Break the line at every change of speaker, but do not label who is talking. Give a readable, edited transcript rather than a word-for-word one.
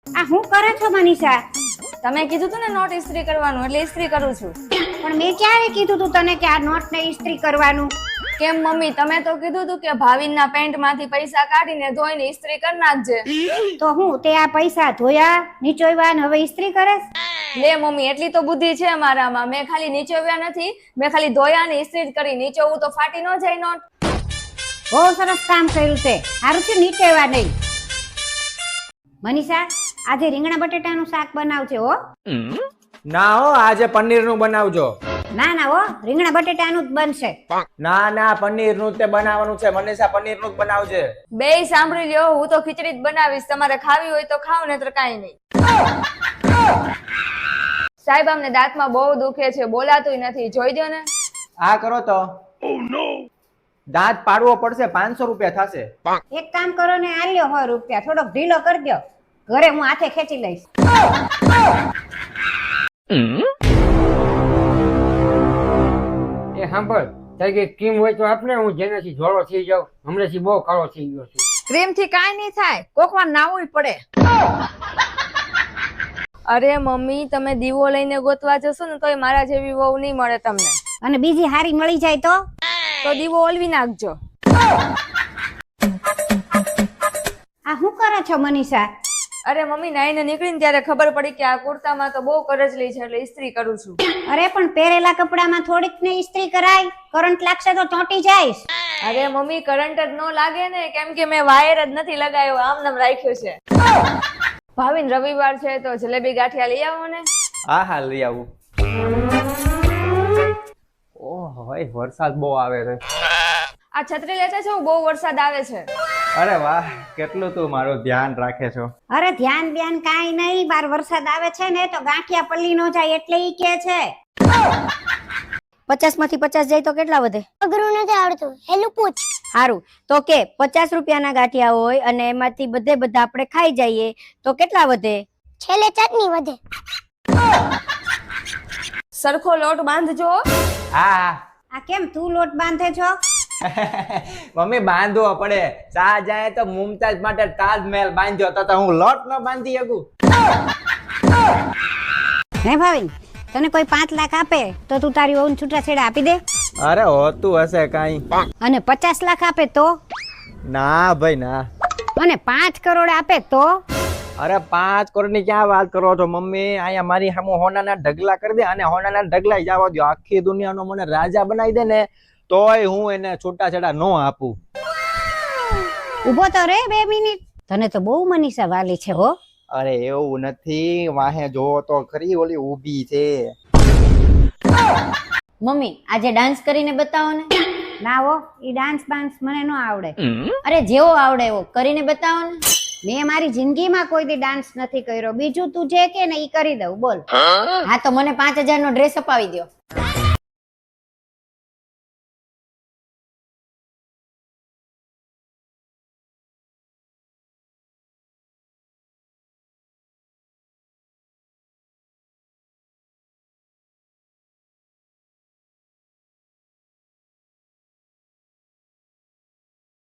આ હું કરે છો મનીષા?
તમે કીધું તું ને નોટ ઇસ્ત્રી કરવાનું એટલે ઇસ્ત્રી કરું છું.
પણ મેં ક્યારે કીધું તું તને કે આ નોટ ને ઇસ્ત્રી કરવાનું?
કેમ મમ્મી, તમે તો કીધું તું કે ભાવિનના પેન્ટ માંથી પૈસા કાઢીને ધોઈને ઇસ્ત્રી કરી નાખજે.
તો હું તે આ પૈસા ધોયા નીચોવ્યા ને હવે ઇસ્ત્રી કરે?
લે મમ્મી, એટલી તો બુદ્ધિ છે મારામાં. મેં ખાલી નીચોવ્યા નથી, મેં ખાલી ધોયા ને ઇસ્ત્રી જ કરી. નીચોવું તો ફાટી ન જાય નોટ.
બહુ સરસ કામ કર્યું છે. સારું છે નીચોવ્યા નહીં. મનીષા, આજે રીંગણા બટેટાનું શાક બનાવજે હો.
ના હો, આજે પનીરનું બનાવજો.
ના ના હો, રીંગણા બટેટાનું જ બનશે.
ના ના, પનીરનું જ તે બનાવવાનું છે. મનીષા, પનીરનું જ બનાવજે.
બેય સાંભળી લ્યો, હું તો ખીચડી જ બનાવીશ. તમારે ખાવી હોય તો ખાવ, નહીતર કાંઈ નહીં. સાહેબ, અમને દાંતમાં બહુ દુખે છે, બોલાતુંય નથી. જોઈ દો ને.
આ કરો તો દાંત પાડવો પડશે. 500 રૂપિયા થશે.
એક કામ કરો ને, આ લ્યો 100 રૂપિયા. થોડોક ઢીલો કરી દો, ઘરે હું હાથે ખેંચી લઈશ.
એ સાંભળ, તારી કઈ ક્રીમ હોય તો આપને, હું જેનાથી જોડો થઈ જાઉં. હમણાંથી બહુ કાળો થઈ ગયો છું.
ક્રીમ થી કાંઈ નહીં થાય, કોકવાર નાવું પડે. અરે મમ્મી, તમે દીવો લઈને ગોતવા જશો ને તોય મારા જેવી વહુ નહીં મળે તમને.
અને બીજી હારી મળી જાય
તો દીવો ઓલવી નાખજો.
આ શું કરે છો મનીષા?
અરે મમ્મી, નાઈને નીકળીને ત્યારે ખબર પડી કે આ કુર્તામાં તો બહુ કરજલી છે એટલે ઇસ્ત્રી કરું છું.
અરે પણ પહેરેલા કપડામાં થોડીક ને ઇસ્ત્રી કરાય, કરંટ લાગશે તો ચોંટી જાઈશ.
અરે મમ્મી, કરંટ જ ન લાગે ને, કેમ કે મેં વાયર જ નથી લગાવ્યો, આમ નામ રાખ્યો છે. ભાવિન, રવિવાર છે તો જલેબી ગાંઠિયા લઈ આવો ને.
હા હા, લઈ આવું. ઓહ ભાઈ, વરસાદ બહુ આવે છે.
આ છત્રી લેતા છો, બહુ વરસાદ આવે છે.
અરે વાહ, કેટલું તું મારું ધ્યાન રાખે છો.
અરે ધ્યાન બ્યાન કાંઈ નહીં, બાર વરસાદ આવે છે ને તો ગાંઠિયા પલ્લી નો જાય એટલે ઈ કે છે.
50 માંથી 50 જાય તો કેટલા વધે?
અઘરું નથી આવડતું, હેલું પૂછ.
સારું, તો કે 50 રૂપિયાના ગાંઠિયા હોય અને એમાંથી બધા આપણે ખાઈ જઈએ તો કેટલા વધે?
છેલ્લે ચટણી વધે.
સરખો લોટ બાંધજો.
હા
આ કેમ તું લોટ બાંધે છો?
મમ્મી, બાંધવો પડે. શાહજહાએ તો મુમતાજ માટે તાજમહેલ બાંધ્યો તો હું લોટ ન બાંધી શકું?
હે ભાવિન, તને કોઈ 5 લાખ આપે તો તું તારી વહુને છૂટાછેડા આપી દે?
અરે હોતું હશે કઈ.
અને 50 લાખ આપે તો?
ના ભાઈ ના.
અને 5 કરોડ આપે તો?
અરે 5 કરોડ ની ક્યાં વાત કરો છો મમ્મી? અહીંયા મારી સામે હોનાના ઢગલા કરી દે અને હોનાના ઢગલા જવા દો. આખી દુનિયાનો મને રાજા બનાવી દે ને તોય હું એને છૂટાછેડા ન આપું.
ઉભો તો રે 2 મિનિટ. તને તો બહુ મનીષા વાલી છે હો.
અરે એવું નથી, વાહે જોવો તો ખરી, ઓલી ઊભી છે.
મમ્મી, આજે ડાન્સ કરીને બતાવો ને.
ના હો, ઈ ડાન્સ બાન્સ મને ન આવડે.
અરે જેવો આવડે એવો કરીને બતાવો ને.
મેં મારી જિંદગીમાં કોઈ દી ડાન્સ નથી કર્યો. બીજું તું જે કે ને ઈ કરી દઉં. બોલ.
હા તો મને 5000 નો ડ્રેસ અપાવી દો.